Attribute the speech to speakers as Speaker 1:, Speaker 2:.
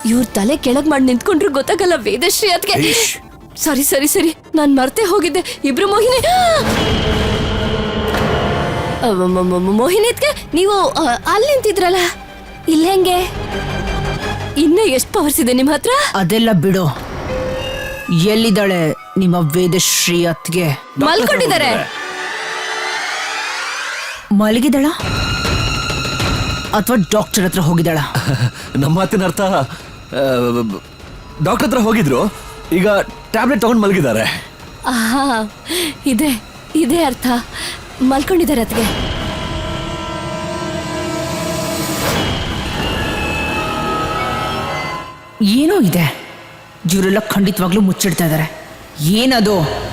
Speaker 1: ಇವ್ರ ತಲೆ ಕೆಳಗ್ ಮಾಡಿ ನಿಂತ್ಕೊಂಡ್ರು ಗೊತ್ತಾಗಲ್ಲ ವೇದಶ್ರೀ ಅದ್ಗೆ. ಸರಿ ಸರಿ ಸರಿ, ನಾನ್ ಮರ್ತೆ ಹೋಗಿದ್ದೆ. ಇಬ್ರು ಮೋಹಿನಿ ಮೋಹಿನಿತ್ಗೆ ನೀವು ಅಲ್ಲಿ ನಿಂತಿದ್ರಲ್ಲ, ಇಲ್ಲ ಹೆಂಗೆ? ಇನ್ನ ಎಷ್ಟು ಪವರ್ಸ್ ಇದೆ ನಿಮ್ ಹತ್ರ?
Speaker 2: ಅದೆಲ್ಲ ಬಿಡು. ಎಲ್ಲಿದ್ದಾಳೆ ನಿಮ್ಮ ವೇದಶ್ರೀ ಅತ್ಗೆ?
Speaker 1: ಮಲ್ಕೊಂಡಿದ್ದಾರೆ.
Speaker 2: ಮಲಗಿದಾಳ ಅಥವಾ ಡಾಕ್ಟರ್ ಹತ್ರ ಹೋಗಿದ್ದಾಳ?
Speaker 3: ನಮ್ಮ ಮಾತಿನ ಅರ್ಥ ಡಾಕ್ಟರ್ ಹತ್ರ ಹೋಗಿದ್ರು, ಈಗ ಟ್ಯಾಬ್ಲೆಟ್ ತಗೊಂಡು ಮಲಗಿದ್ದಾರೆ.
Speaker 1: ಇದೆ ಇದೇ ಅರ್ಥ. ಮಲ್ಕೊಂಡಿದ್ದಾರೆ ಅತ್ಗೆ.
Speaker 2: ಏನೋ ಇದೆ, ಇವರೆಲ್ಲ ಖಂಡಿತವಾಗ್ಲೂ ಮುಚ್ಚಿಡ್ತಾ ಇದ್ದಾರೆ. ಏನದು?